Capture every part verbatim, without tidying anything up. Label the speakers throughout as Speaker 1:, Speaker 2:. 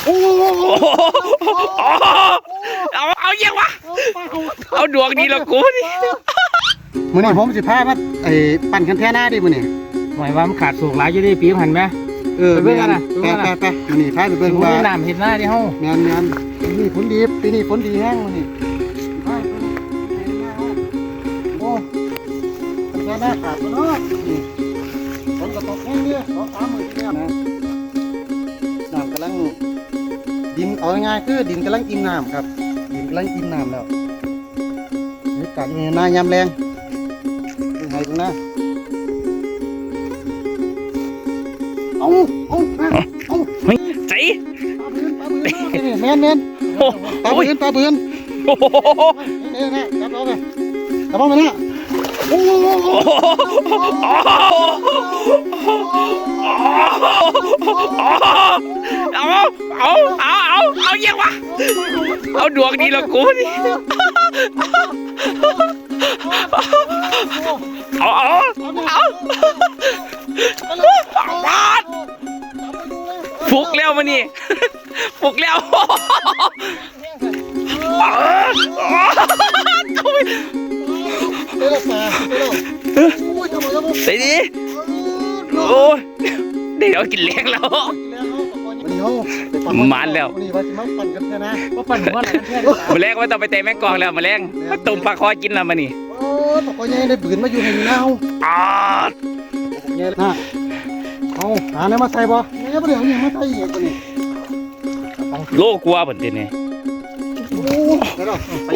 Speaker 1: โอ้
Speaker 2: เอาเอาเยี่ยวะเอาดวงดีละกูนี่
Speaker 1: มื้อนี้ผมสิพามาไอ้ปั่นคันแท่หน้าดิมื้อนี้
Speaker 3: หมายว่ามันขาดสูงหลายอยู่ดิปีหันไหม
Speaker 1: เออไปเบิ่งกันนะไปไปไปมื้อนี้พาไปเบิ่งว่า
Speaker 3: น้ำเห็นหน้าดิเฮา
Speaker 1: แม่นแม่นปีนี้ฝนดีปีนี้ฝนดีแห้งมื้อนี้ไปโอ้คันแท่หน้าขาดบ่เนาะฝนก็ตกแห้งเด้อสองสามมื้อที่แล้วนะน้ำกำลังดินเอาง่ายๆคือดินกำลังอิ่มน้ำครับดินกำลังอิ่มน้ำแล้วนี่การมีหน้ายามแรงเป็นไงตรงหน้าเอาเอาเอา
Speaker 2: ใจ
Speaker 1: ปลาบืนปลาบืนแม่นแม่นปลาบืนปลาบืนนี่นะจับเอาไปจับเอาไปนะโอ้
Speaker 2: เอาเอาเอาเอาเอาเยี่ยวะเอาดวงดีละกูนี่เอาเอาเอาบาดฟุกแล้วมานี่ฟุกแล้วใส่ดิโอ้เดี๋ยวกินเลี้ยงแล้วมันแล้ว
Speaker 1: มาปั่นกันนะ
Speaker 3: ก็ปั่นหัวไหนกันแท้
Speaker 2: มาแรงไม่ต้องไปเตะแมงกองแล้วมาแรงมาตุ่มปลาคอกินแล้วมานี่
Speaker 1: โอ้ตกยังได้บืนมาอยู่ให้เน่า
Speaker 2: อ่า
Speaker 1: เนี่ยนะเอาหาเนี่ยมาใส่บ่เนี่ยประเดี๋ยวเนี่ยมาใส่อีกตัวนี้
Speaker 2: โลกลัวเหมือนเดิมเนี่ย
Speaker 1: โอ้โห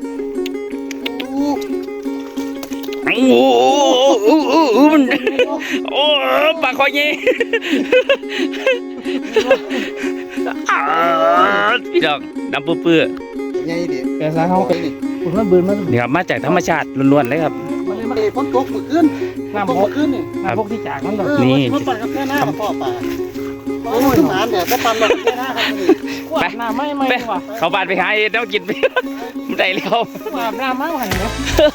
Speaker 2: โอ้โหโอ้โหโอ้โหมันโอ้ปลาคอเงี้ยพี่ดอกดำเปื้อ
Speaker 1: ไงดิ
Speaker 3: แกซะเขาคุณว่าบืนมั้ย
Speaker 2: นี่ครับมาจากธรรมชาติล้วนๆเลยครับ
Speaker 1: มันเลยมาฝนตกเมื่อคืน
Speaker 3: น้ำตกขึ้นนี่น้ำพวกที่จากมันแบบ
Speaker 2: นี่
Speaker 1: มันปั่นกับแค่หน้าพ่อป่าโอ้ยหมาเนี่ยก็ปั่นกับแค่หน้าครับนี่
Speaker 3: ไปน้ำไม่ไม่ว่ะ
Speaker 2: เขาบานไปหาเอ็ดแล้วกินไปได้แล้ว
Speaker 3: อาบน้ำมากหันเนาะ